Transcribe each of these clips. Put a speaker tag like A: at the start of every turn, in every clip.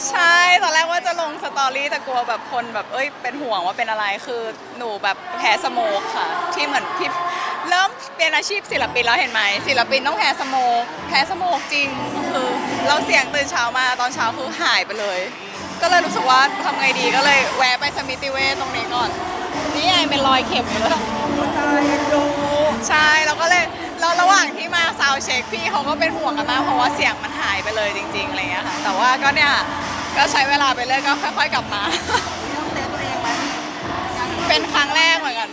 A: ใช่ตอนแรกว่าจะลงสตอรี่แต่กลัวแบบคนแบบเป็นห่วงว่าเป็นอะไรคือหนูแบบแพ้สโมกค่ะที่เหมือนที่เริ่มเป็นอาชีพศิลปินแล้วเห็นไหมศิลปินต้องแพ้สโมกจริงคือเราเสียงตื่นเช้ามาตอนเช้าคือหายไปเลยก็เลยรู้สึกว่าทำไงดีก็เลยแวะไปสมิติเวชตรงนี้ก่อนนี่ไงเป็นรอยเข็มอยู่เลยใช่แล้วก็เลยแล้วระหว่างที่มาซาวด์เช็คพี่เขาก็เป็นห่วงกันมากเพราะว่าเสียงมันหายไปเลยจริงๆอะไรเงี้ยค่ะแต่ว่าก็เนี่ยก็ใช้เวลาไปเรื่อยก็ค่อยๆกลับมา เป็นครั้งแรกเหมือนกัน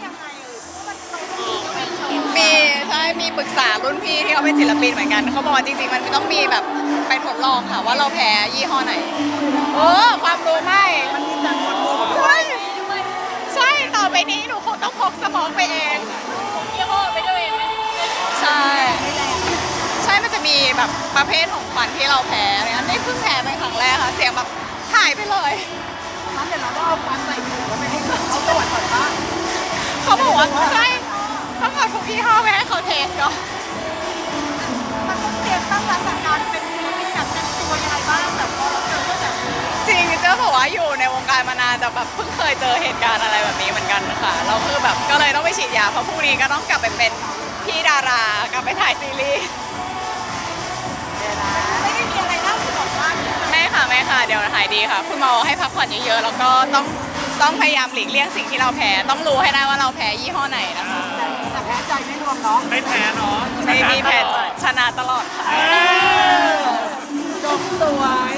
A: มีใช่มีปรึกษารุ่นพี่ที่เขาเป็นศิลปินเหมือนกันเขาบอกว่าจริงๆมันต้องมีแบบไปทดลองค่ะว่าเราแพ้ยี่ห้อไหนความรู้ไม่ใช่ใช่ต่อไปนี้หนูคงต้องพกสมองไปเองยี่ห้อไปด้วยไหมใช่ใช่มันจะมีแบบประเภทของควันที่เราแพ้อะไรเงี้ยนี่เพิ่งแพ้เป็นครั้งแรกค่ะเสียงแบบหายไปเลยงั้นเดี๋ยวเราก็เอาควันใส่ถุงแล้วไปให้เขาตรวจก่อนว่าเขาบอกว่าใช่ต้องเอาทุกยี่ห้อไปให้เขาเทสก่อนมันต้องเตรียมตั้งรับการเป็นศิลปินแบบเต็มตัวยังไงบ้างแบบพอเราเจอแบบจริงเจ้าบอกว่าอยู่ในวงการมานานแต่แบบเพิ่งเคยเจอเหตุการณ์อะไรแบบนี้เหมือนกันค่ะเราคือแบบก็เลยต้องไปฉีดยาเพราะพรุ่งนี้ก็ต้องกลับไปเป็นพี่ดารากลับไปถ่ายซีรีส์ไม่ได้มีอะไรน่าห่วงมากไม่ค่ะเดี๋ยวหายดีค่ะคุณหมอให้พักผ่อนเยอะๆแล้วก็ต้องพยายามหลีกเลี่ยงสิ่งที่เราแพ้ต้องรู้ให้ได้ว่าเราแพ้ยี่ห้อไหนนะคะแต่แพ้ใจไม่รวมเนาะ
B: ไม่แพ้เนาะ
A: ไม่มีแพ้ชนะตลอดค่ะ
B: จบสวย